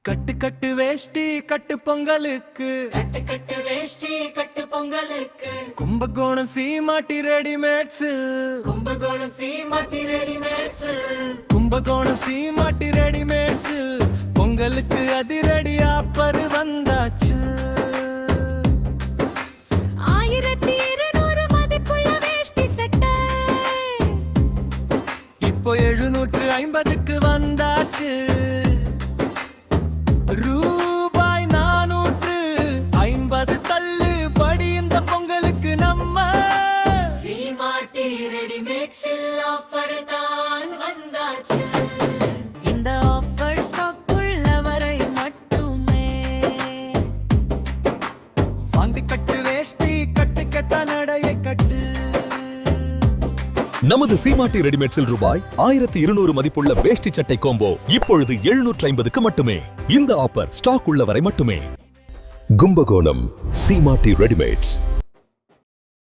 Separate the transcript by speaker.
Speaker 1: கட்டு கட்டு வேஷ்டி கட்டு பொங்கலுக்கு
Speaker 2: கட்டு கட்டு வேஷ்டி கட்டு பொங்கலுக்கு
Speaker 1: கும்பகோணம் சீமாட்டி ரெடிமேட்ஸ்
Speaker 2: கும்பகோணம் சீமாட்டி ரெடிமேட்ஸ்
Speaker 1: கும்பகோணம் சீமாட்டி ரெடிமேட்ஸ் பொங்கலுக்கு அதிரடி ஆப்பர் வந்தாச்சு
Speaker 2: 1200 மதிப்புள்ள வேஷ்டி சட்டை
Speaker 1: இப்போ 750க்கு வந்தாச்சு ரூபாய் 450 தள்ளுபடி இந்த பொங்கலுக்கு நம்ம
Speaker 2: சீமாட்டி ரெடிமேட்ஸில் ஆஃபர் தான் வந்தாச்சு.
Speaker 3: இந்த ஆஃபர் ஸ்டாக் உள்ளவரை மட்டுமே
Speaker 1: வாங்கி கட்டு வேஷ்டி கட்டு கெட்ட நடைய கட்டு.
Speaker 4: நமது சீமாட்டி ரெடிமேட்ஸில் ரூபாய் 1200 மதிப்புள்ள வேஷ்டி சட்டை கோம்போ இப்பொழுது 750க்கு மட்டுமே. இந்த ஆஃபர் ஸ்டாக் உள்ளவரை மட்டுமே. கும்பகோணம் சீமாட்டி ரெடிமேட்ஸ்.